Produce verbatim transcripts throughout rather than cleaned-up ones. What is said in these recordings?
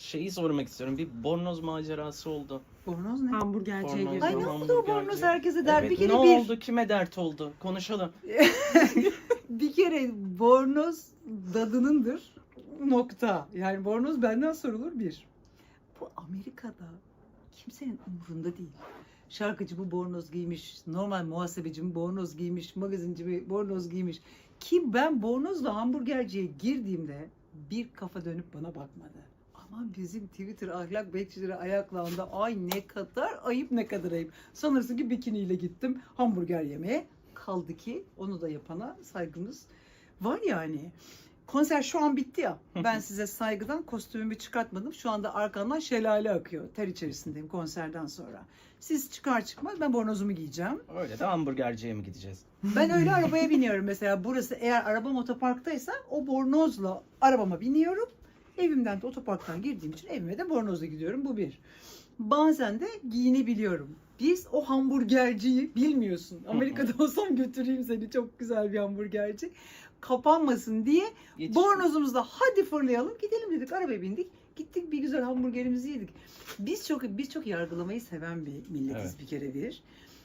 şeyi sormak istiyorum. Bir bornoz macerası oldu. Bornoz ne? Hamburgerciye Bornoz. girdi. Ay ne oldu o Hamburgerci. bornoz herkese der. Evet, bir kere ne bir. oldu? Kime dert oldu? Konuşalım. Bir kere bornoz dadınındır. Nokta. Yani bornoz benden sorulur bir. Bu Amerika'da kimsenin umurunda değil. Şarkıcı bu bornoz giymiş, normal muhasebeci mi bornoz giymiş, magazinci mi bornoz giymiş. Ki ben bornozla hamburgerciye girdiğimde bir kafa dönüp bana bakmadı. Ama bizim Twitter ahlak bekçileri ayaklandı. Ay ne kadar ayıp, ne kadar ayıp. Sanırsın ki bikiniyle gittim hamburger yemeye. Kaldı ki onu da yapana saygımız var yani. Konser şu an bitti ya. Ben size saygıdan kostümümü çıkartmadım. Şu anda arkamdan şelale akıyor. Ter içerisindeyim konserden sonra. Siz çıkar çıkmaz ben bornozumu giyeceğim. Öyle de hamburgerciye mi gideceğiz? Ben öyle arabaya biniyorum mesela. Burası eğer arabam otoparktaysa o bornozla arabama biniyorum. Evimden de otoparktan girdiğim için evime de bornozla gidiyorum. Bu bir. Bazen de giyinebiliyorum. Biz o hamburgerciyi bilmiyorsun. Amerika'da olsam götüreyim seni, çok güzel bir hamburgerci. Kapanmasın diye Yetiştim. bornozumuzla hadi fırlayalım gidelim dedik, arabaya bindik. Gittik bir güzel hamburgerimizi yedik. Biz çok biz çok yargılamayı seven bir milletiz Evet. bir kere bir.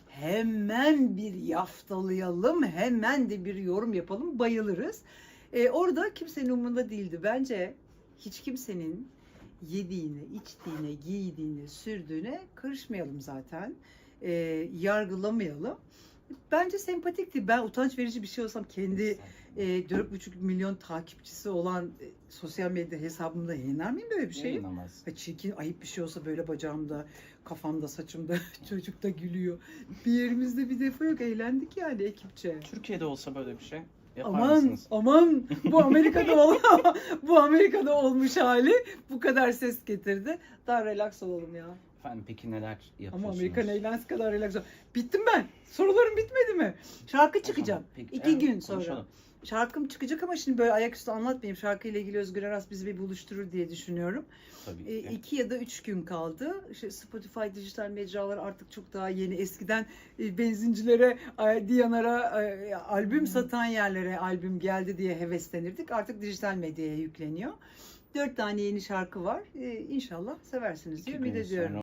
Hemen bir yaftalayalım, hemen de bir yorum yapalım, bayılırız. Ee, orada kimsenin umurunda değildi. Bence hiç kimsenin yediğine, içtiğine, giydiğine, sürdüğüne karışmayalım zaten. Ee, yargılamayalım. Bence sempatikti. Ben utanç verici bir şey olsam kendi e, dört buçuk milyon takipçisi olan e, sosyal medya hesabımda yayınlar mıyım böyle bir şey? Yayınlamaz. Ha, çirkin, ayıp bir şey olsa böyle bacağımda, kafamda, saçımda çocuk da gülüyor. Bir yerimizde bir defa yok. Eğlendik yani ekipçe. Türkiye'de olsa böyle bir şey yapar Aman mısınız? aman bu Amerika'da ol bu Amerika'da olmuş hali bu kadar ses getirdi. Daha relax olalım ya. Efendim peki neler yapıyorsunuz? Ama Amerikan eğlence kadar relax ol. Bittim ben. Sorularım bitmedi mi? Şarkı O zaman çıkacağım. peki, İki evet, gün sonra. konuşalım. Şarkım çıkacak ama şimdi böyle ayaküstü anlatmayayım. Şarkıyla ilgili Özgür Aras bizi bir buluşturur diye düşünüyorum. Tabii E, ki. iki ya da üç gün kaldı. İşte Spotify, dijital mecralar artık çok daha yeni. Eskiden e, benzincilere, e, Diyanara, e, albüm satan yerlere albüm geldi diye heveslenirdik. Artık dijital medyaya yükleniyor. Dört tane yeni şarkı var. E, İnşallah seversiniz diye İki ümit gün ediyorum. sonra